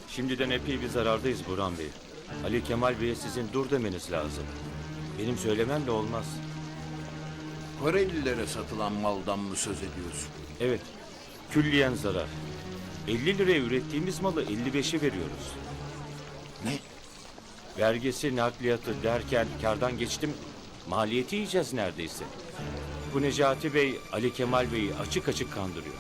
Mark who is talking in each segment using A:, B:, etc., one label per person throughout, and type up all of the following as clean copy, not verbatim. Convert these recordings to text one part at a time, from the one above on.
A: Şimdiden epey bir zarardayız Burhan Bey. Ali Kemal Bey'e sizin dur demeniz lazım. Benim söylememle olmaz.
B: Korelilere satılan maldan mı söz ediyorsun?
A: Evet, külliyen zarar. 50 liraya ürettiğimiz malı 55'e veriyoruz.
B: Ne?
A: Vergisi, nakliyatı derken kardan geçtim, maliyeti yiyeceğiz neredeyse. Bu Necati Bey, Ali Kemal Bey'i açık açık kandırıyor.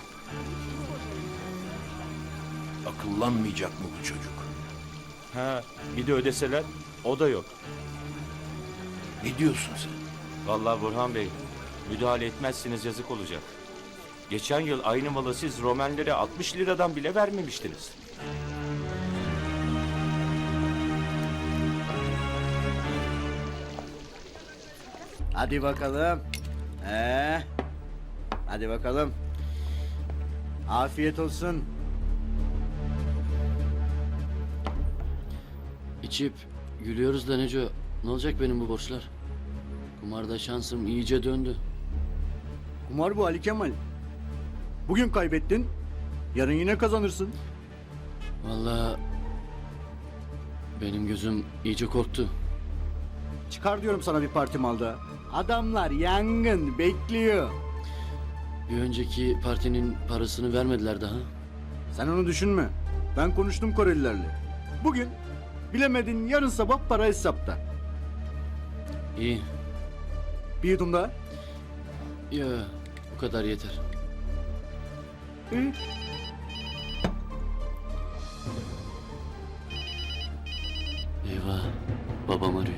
B: Akıllanmayacak mı bu çocuk?
A: Ha, bir de ödeseler, o da yok.
B: Ne diyorsun sen?
A: Vallahi Burhan Bey, müdahale etmezsiniz yazık olacak. Geçen yıl aynı malı siz Romenlere 60 liradan bile vermemiştiniz.
C: Hadi bakalım. Hadi bakalım. Afiyet olsun.
D: İçip gülüyoruz da Neco. Ne olacak benim bu borçlar? Kumarda şansım iyice döndü.
C: Kumar bu Ali Kemal. Bugün kaybettin. Yarın yine kazanırsın.
D: Vallahi benim gözüm iyice korktu.
C: Çıkar diyorum sana bir parti malda. Adamlar yangın bekliyor.
D: Bir önceki partinin parasını vermediler daha.
C: Sen onu düşünme. Ben konuştum Korelilerle. Bugün bilemedin yarın sabah para hesapta.
D: İyi.
C: Bir yudum daha.
D: Ya bu kadar yeter.
C: İyi.
D: Eyvah. Babam arıyor.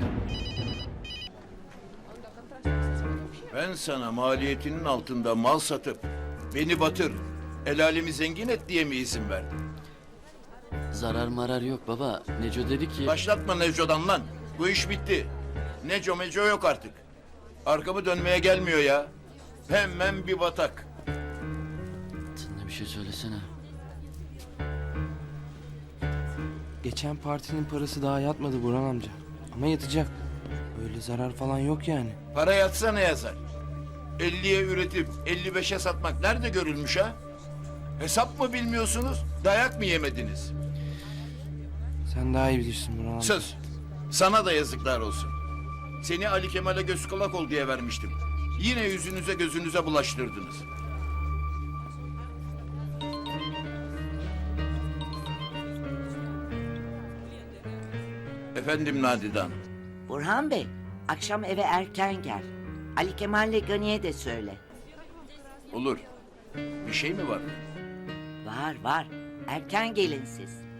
B: Ben sana maliyetinin altında mal satıp beni batır, el alemi zengin et diye mi izin verdim?
D: Zarar marar yok baba. Neco dedi ki...
B: Başlatma Neco'dan lan. Bu iş bitti. Neco meco yok artık. Arkamı dönmeye gelmiyor ya. Hemen bir batak.
D: Sen de bir şey söylesene.
E: Geçen partinin parası daha yatmadı Burhan amca. Ama yatacak. Öyle zarar falan yok yani.
B: Para yatsa ne yazar? 50'ye üretip 55'e satmak nerede görülmüş ha? Hesap mı bilmiyorsunuz? Dayak mı yemediniz?
E: Sen daha iyi bilirsin Burhan amca.
B: Sus. Sana da yazıklar olsun. Seni Ali Kemal'e göz kulak ol diye vermiştim. Yine yüzünüze gözünüze bulaştırdınız. Efendim Nadide Hanım.
F: Burhan Bey, akşam eve erken gel. Ali Kemal'le Gani'ye de söyle.
B: Olur. Bir şey mi var?
F: Var var, erken gelin siz.